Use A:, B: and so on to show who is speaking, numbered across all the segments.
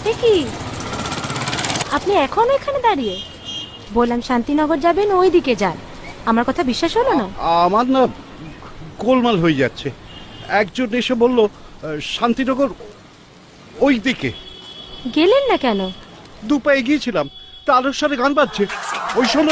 A: এ কি, আপনি এখনো এখানে দাঁড়িয়ে? বললাম শান্তিনগর যাবেন, ওই দিকে যান। আমার কথা বিশ্বাস হলো না?
B: আমার না গোলমাল হয়ে যাচ্ছে। একজন এসে বলল শান্তিনগর ওই দিকে।
A: গেলেন না কেন?
B: দু পায়ে গিয়েছিলাম, তার সাথে গান বাজছে, ওই শোনো।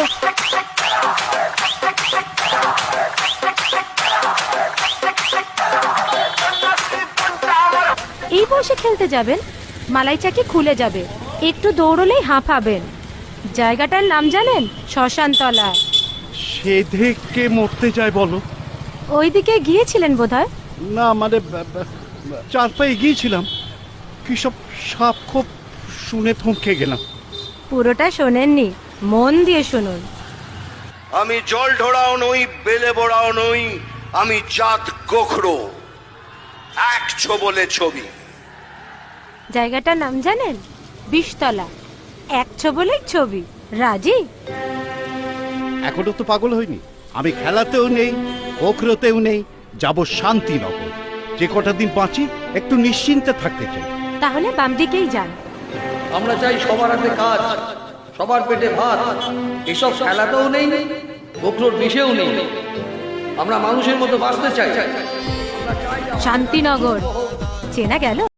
A: এই বয়সে খেলতে যাবেন? মালাই চাকি খুলে যাবে, একটু দৌড়লেই হাঁপাবেন। জায়গাটার নাম জানেন? শ্মশানতলা।
B: সে দেখে মরতে যায় বলো?
A: ওইদিকে গিয়েছিলেন বোধহয়।
B: না মানে চার পায়ে গিয়েছিলাম, কি সব সাপ খোপ শুনে থমকে গেলাম।
A: পুরোটা শোনেননি, মন দিয়ে শুনুন।
C: আমি জল ঢোড়াও নই, বেলে বড়াও নই, আমি জাত গোখরো, এক ছোবলে ছবি।
A: জায়গাটার নাম জানেন? বিষতলা। এক ছবলেই ছবি। রাজি?
B: এখনো তো পাগল হয়নি। আমি খেলাতেও নেই, গোখরোতেও নেই, যাব শান্তিনগর। যে কটা দিন বাঁচি একটু নিশ্চিন্তে থাকতে চাই।
A: তাহলে বাম দিকেই যান।
D: আমরা চাই সবার হাতে কাজ, সবার পেটে ভাত। এসব খেলাতেও নেই, গোখরোর বিষেও নেই। আমরা মানুষের মতো বাঁচতে চাই।
A: শান্তিনগর চেনা গেল?